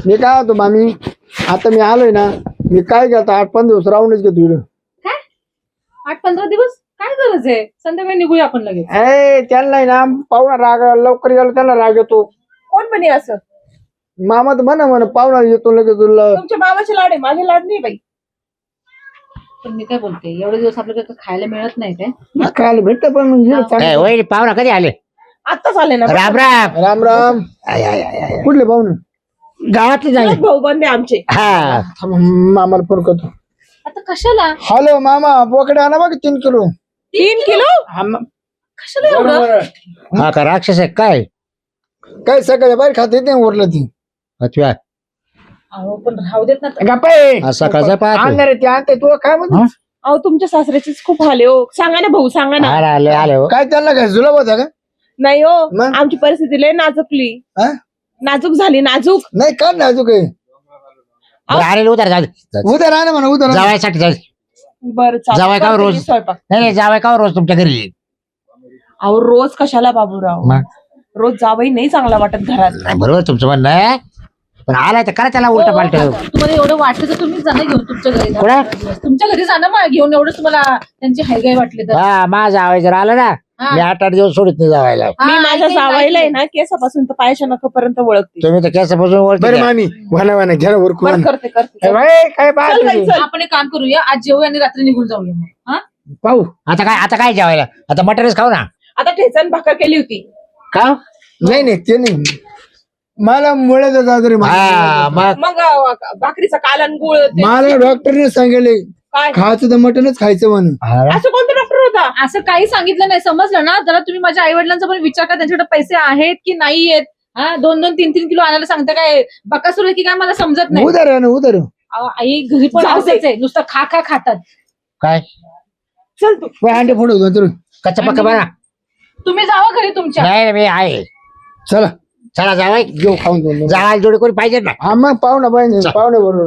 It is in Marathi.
मी काय होतो मामी आता मी आलोय ना मी काय घेतो 8-5 दिवस राहूनच घेतो इकडं. काय 8-15 दिवस काय गरज आहे? संध्याकाळी निघूया आपण लगेच. त्यांना ना पाहुणा राग लवकर गेलो त्यांना राग येतो. कोण म्हणे असं? मामा तर म्हण पाहुणा येतो लगेच तुला. तुमच्या मामाचे लाड आहे, माझे लाड नाही बाई. पण मी काय बोलते, एवढे दिवस आपल्याला खायला मिळत नाही काय? खायला भेटतं पण वय पाहुणा कधी आले? आत्ताच आले ना. राम राम. राम राम. कुठले पाहुणे? गावातले झाले. भाऊ बंदे आमचे. हा मामाला फोन करतो. आता कशाला? हॅलो मामा बोकडे आणा बघ 3 किलो. 3 किलो? कशाला एवढं? हा का राक्षस आहे काय? काय सकाळी बाहेर खात येते उरलं ती. अच्छा अहो पण राहू देत ना. गप्पा सकाळचा पाहतो. आणणार ते आणते तू काय म्हणतो? अहो तुमच्या सासऱ्याचीच खूप हाल आहे हो. सांगा ना भाऊ, सांगा ना. आले आले हो. काय त्यांना काय जुलाब होता का? नाही हो, मग? आमची परिस्थिती लय नाजूकली. हा? नाजूक झाली, नाजूक. नाही का ना अजून काही आलेले उतर जाऊ उद्या राहा ना म्हणा उद्या राहा. जावायसाठी जाऊ. बरं जावई का करते रोज? मी स्वयंपाक. नाही जावाय का रोज तुमच्या घरी? अहो रोज कशाला बाबूराव? मग? रोज जावई नाही चांगला वाटत घरात. नाही बरोबर तुमचं म्हणणं आहे पण आलाय तर करा त्याला उलट पालट. तुम्हाला एवढं वाटलं तर तुम्ही जाणं घेऊन तुमच्या घरी जा. कुठं? तुमच्या घरी जाणं मग घेऊन एवढं तुम्हाला त्यांची हायगाय वाटली तर. हा माझा आवाज जर आला ना हा. मी 8-8 दिवस सोडित नाही जावायला. मी हा, माझ्या ऐकेन, जावईला आहे ऐकेन. ना केसापासून तर पायाच्या नखापर्यंत ओळखते. तुम्ही तर केसापासून बरं ओळखी मामी वाना घ्या ना उरकून बरं आणा. करते करते. काय चल बाई, पाहतो चल. आपण एक काम करूया, आज जेवूया आणि रात्री निघून जाऊया मग. हा पाहू आता काय जेवायला? आता मटरच खाऊ ना. आता ठेचण भाकर केली होती. का? नाही ते नाही मला मुळे जाऊ रे हा मग मग भाकरीचा कालन गुळ ते- मला डॉक्टरने सांगितले काय खायचं तर मटनच खायचं म्हणून. असं कोणता डॉक्टर होता? असं काही सांगितलं नाही, समजलं ना? जरा तुम्ही माझ्या आई वडिलांचा पण विचार करा, त्यांच्याकडे पैसे आहेत की नाही आहेत. हा 2-2, 3-3 किलो आणायला सांगता काय? बकासूर आहे की काय मला समजत नाही. उदर आहे ना उदर. अहो, आई घरी पण जाऊ दे. असंच आहे, नुसतं खा खातात. काय चल तू. अंडे फोडू तर कच्चा पक्का बना. तुम्ही जावा घरी तुमच्या. नाही मी आहे. चला चला जावाय घेऊ खाऊन जाऊ. जावायला जोडी कोणी पाहिजे ना. हा मग पाहुणा पाहिजे पाहुणे बरोबर.